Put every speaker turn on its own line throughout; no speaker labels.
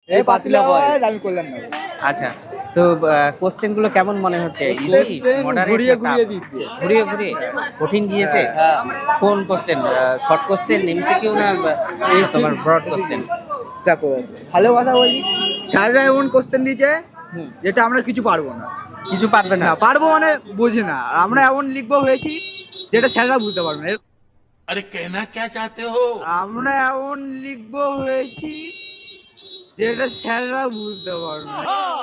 এই পাতিলা বয়স আমি করলাম না।
আচ্ছা, তো কোশ্চেন গুলো কেমন মনে হচ্ছে? ইজি, মডারেট,
ঘুরিয়ে ঘুরিয়ে দিচ্ছে।
ঘুরিয়ে ঘুরিয়ে কঠিন গিয়েছে। কোন কোশ্চেন? শর্ট কোশ্চেন, এমসিকিউ না তোমার ব্রড কোশ্চেন?
দেখো ভালো কথা বলি, স্যাররা এমন কোশ্চেন দিয়েছে
হুম,
যেটা আমরা কিছু পারবো না।
কিছু পারবে না।
না পারবো মানে বুঝি না, আমরা এমন লিখবো হয়েছি যেটা স্যাররা বুঝতে পারবে না।
अरे कहना क्या चाहते हो?
আমরা এমন লিখবো হয়েছি যেটা স্যাররা বুঝতে পারবে না।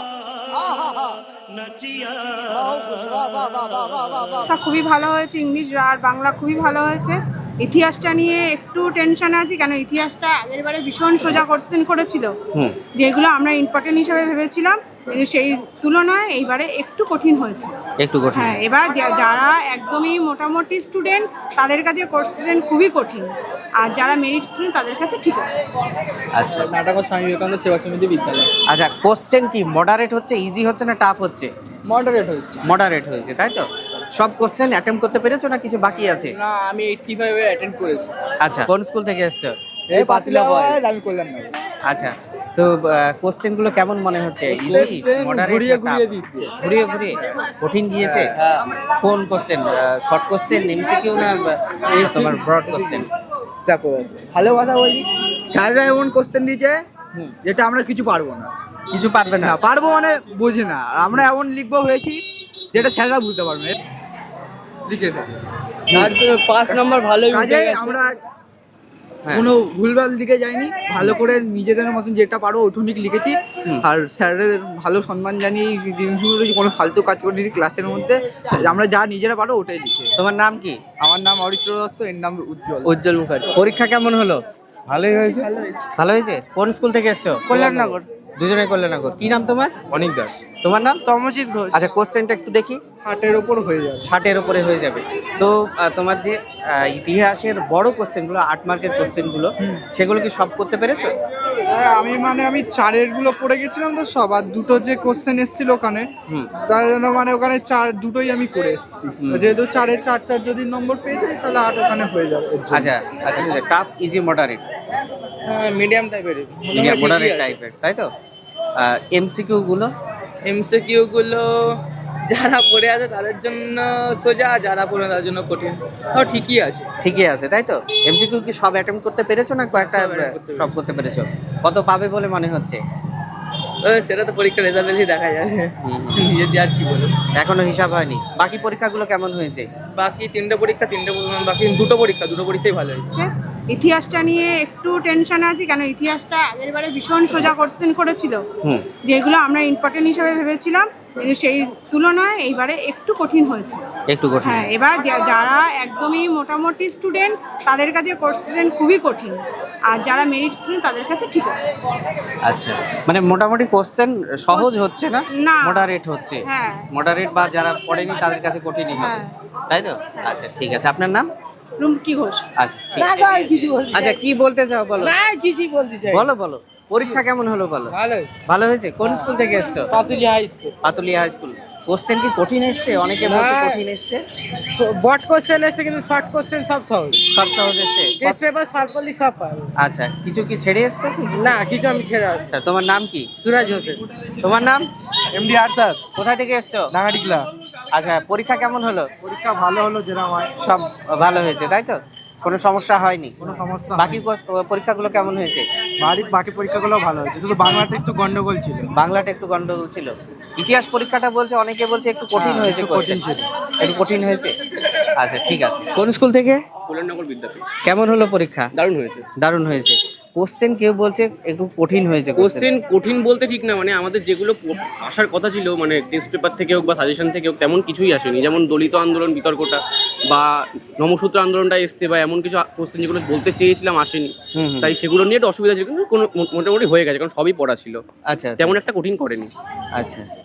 খুবই ভালো হয়েছে, ইংলিশ আর বাংলা খুবই ভালো হয়েছে। ইতিহাসটা নিয়ে একটু টেনশনে আছি, কেন ইতিহাসটা আগেরবারে ভীষণ সোজা কোশ্চেন করেছিল,
হুম,
যেগুলো আমরা ইম্পর্টেন্ট হিসাবে ভেবেছিলাম, কিন্তু সেই তুলনায় এইবারে একটু কঠিন হয়েছে।
একটু কঠিন।
হ্যাঁ, এবার যারা একদমই মোটামুটি স্টুডেন্ট তাদের কাছে কোশ্চেন খুবই কঠিন, আর যারা মেরিট স্টুডেন্ট তাদের কাছে ঠিক আছে।
আচ্ছা
নাটক স্বামী বিবেকানন্দ সেবা সমিতি বিদ্যালয়
আচ্ছা, কোশ্চেন কি মডারেট হচ্ছে, ইজি হচ্ছে না টাফ হচ্ছে?
মডারেট হচ্ছে।
মডারেট হয়েছে, তাই তো? সব কোশ্চেন অ্যাটেম্প করতে পেরেছো না কিছু বাকি আছে?
না, আমি 85 অ্যাটেন্ড করেছি।
আচ্ছা, কোন স্কুল থেকে এসছো?
এই পাতিলা বয়স আমি করলাম না।
আচ্ছা, তো কোশ্চেন গুলো কেমন মনে হচ্ছে? ইজি,
Question
মডারেট,
ঘুরিয়ে ঘুরিয়ে দিচ্ছে।
ঘুরিয়ে ঘুরিয়ে কঠিন গিয়েছে। কোন কোশ্চেন? শর্ট কোশ্চেন, এমসিকিউ না তোমার ব্রড কোশ্চেন?
দেখো ভালো কথা বলি, স্যাররা এমন কোশ্চেন দিয়েছে
হুম,
যেটা আমরা কিছু পারবো না।
কিছু পারবে না।
না পারবো মানে বুঝি না, আমরা এমন লিখবো হয়েছি যেটা স্যাররা বুঝতে পারবে। লিখেছে
তার জন্য 5 নম্বর ভালোই উঠে
কাজে
গেছে।
আমরা
হ্যাঁ।
কোনো ভুলভাল দিকে যাইনি, ভালো করে নিজেদের মতন যেটা পারো ওঠুনিক লিখেছি।
হুম।
আর স্যারের ভালো সম্মান জানিয়ে এই জিনিসগুলো কোনো ফালতু কাজ করিনি ক্লাসের মধ্যে। আমরা যা নিজেরা পারো ওটাই লিখে।
তোমার নাম কি?
আমার নাম অরিত্র দত্ত, এর নাম উজ্জ্বল।
উজ্জ্বল মুখার্জি।
পরীক্ষা কেমন হলো?
ভালোই হয়েছে।
ভালো হয়েছে। কোন স্কুল থেকে এসছো?
কল্যাণনগর।
দুজনে কল্যাণনগর। কি নাম তোমার?
অনিক দাস।
তোমার নাম?
তমজিৎ ঘোষ।
আচ্ছা, কোশ্চেনটা একটু দেখি।
60-এর ওপর হয়ে যাবে।
60-এর উপরে হয়ে যাবে। তো তোমার যে ইতিহাসের বড় কোশ্চেনগুলো, 8 মার্কের কোশ্চেনগুলো, সেগুলো কি সব করতে পেরেছো?
আমি 4-এর গুলো পড়ে গেছিলাম তো সব, আর দুটো যে কোশ্চেন এসেছিল ওখানে,
হুম,
তার জন্য ওখানে দুটোই আমি করে এসেছি।
হুম।
যেহেতু 4-এর 4 যদি নম্বর পেয়ে যাই তাহলে 8 ওখানে হয়ে যাবে।
আচ্ছা আচ্ছা, টাফ, ইজি, মডারেট?
মিডিয়াম টাইপের।
মিডিয়াম মডারেট টাইপের, তাই তো? এমসিকিউ গুলো?
এমসিকিউ গুলো যারা পড়ে আছে তাদের জন্য সোজা, যারা পড়ে না তাদের জন্য কঠিন। তাও ঠিকই আছে।
ঠিকই আছে, তাই তো? এমসিকিউ কি সব অ্যাটেম্প করতে পেরেছো না কয়েকটা?
সব attempt করতে
সব করতে পেরেছো। কত পাবে বলে মনে হচ্ছে?
সেটা তো পরীক্ষার রেজাল্ট এলেই দেখা যাবে।
হুম,
নিজের দিয়ে আর কি বলবো।
এখনো হিসাব হয়নি। বাকি পরীক্ষাগুলো কেমন হয়েছে?
বাকি 3টে পরীক্ষা, বাকি দুটো পরীক্ষাই ভালো হয়েছে।
ইতিহাসটা নিয়ে একটু টেনশনে আছি, কেন ইতিহাসটা আগেরবারে ভীষণ সোজা কোশ্চেন করেছিল,
হুম,
যেগুলো আমরা ইম্পর্টেন্ট হিসাবে ভেবেছিলাম, কিন্তু সেই তুলনায় এইবারে একটু কঠিন হয়েছে।
একটু কঠিন।
হ্যাঁ, এবার যারা একদমই মোটামুটি স্টুডেন্ট তাদের কাছে কোশ্চেন খুবই কঠিন, আর যারা মেরিট স্টুডেন্ট তাদের কাছে ঠিক আছে।
আচ্ছা, মানে মোটামুটি কোশ্চেন সহজ হচ্ছে না,
না।
মডারেট হচ্ছে।
হ্যাঁ।
মডারেট বা যারা পড়েনি তাদের কাছে কঠিনই হবে,
হ্যাঁ।
তাই তো? আচ্ছা, ঠিক আছে। আপনার নাম?
রুমকি ঘোষ।
আচ্ছা, ঠিক আছে। আচ্ছা, কি বলতে চাও বলো?
কিছুই বলতে চাই।
বলো বলো, পরীক্ষা কেমন হলো বলো?
ভালো।
ভালো হয়েছে। কোন স্কুল থেকে এসছো?
Patuli high school.
Patulia high school. Question কি কঠিন এসছে? অনেকে বলছে
না।
কঠিন এসছে।
বট কোশ্চেন এসছে, কিন্তু শর্ট কোশ্চেন সব সহজ।
সব সহজ এসছে।
টেস্ট পেপার সলভ করলে সব পাবে।
আচ্ছা, কিছু কি ছেড়ে এসছো কি?
না, কিছু আমি ছেড়ে আছি।
আচ্ছা, তোমার নাম কি?
সুরাজ হোসেন।
তোমার নাম?
এমডি আর স্যার,
কোথায় থেকে এসছো?
নাগাটিকলা।
আচ্ছা, পরীক্ষা কেমন হলো?
পরীক্ষা ভালো হলো, যেরকম হয়।
সব ভালো হয়েছে, তাই তো? কোনো সমস্যা হয়নি?
কোনো সমস্যা
বাকি পরীক্ষাগুলো কেমন হয়েছে?
বাকি পরীক্ষাগুলো ভালো হয়েছে, শুধু বাংলাটা একটু গন্ডগোল ছিল।
বাংলাটা একটু গন্ডগোল ছিল। ইতিহাস পরীক্ষাটা বলছে, অনেকে বলছে একটু কঠিন হয়েছে।
একটু কঠিন ছিল।
একটু কঠিন হয়েছে। আচ্ছা, ঠিক আছে। কোন স্কুল থেকে?
কল্যাণনগর বিদ্যাপীঠ।
কেমন হলো পরীক্ষা?
দারুণ হয়েছে।
দারুণ হয়েছে। কোশ্চেন কেউ বলছে একটু কঠিন হয়েছে।
কোশ্চেন কঠিন বলতে ঠিক না, মানে আমাদের যেগুলো আসার কথা ছিল, মানে টেস্ট পেপার থেকে হোক বা সাজেশন থেকে হোক, তেমন কিছুই আসেনি। যেমন দলিত আন্দোলন বিতর্কটা বা নমসূত্র আন্দোলনটা এসছে, বা এমন কিছু কোশ্চেন যেগুলো বলতে চেয়েছিলাম আসেনি।
হুম, হুম।
তাই সেগুলো নিয়ে একটু অসুবিধা ছিল, কিন্তু কোনো মোটামুটি হয়ে গেছে, কারণ সবই পড়া ছিল।
আচ্ছা,
তেমন একটা কঠিন করেনি।
আচ্ছা।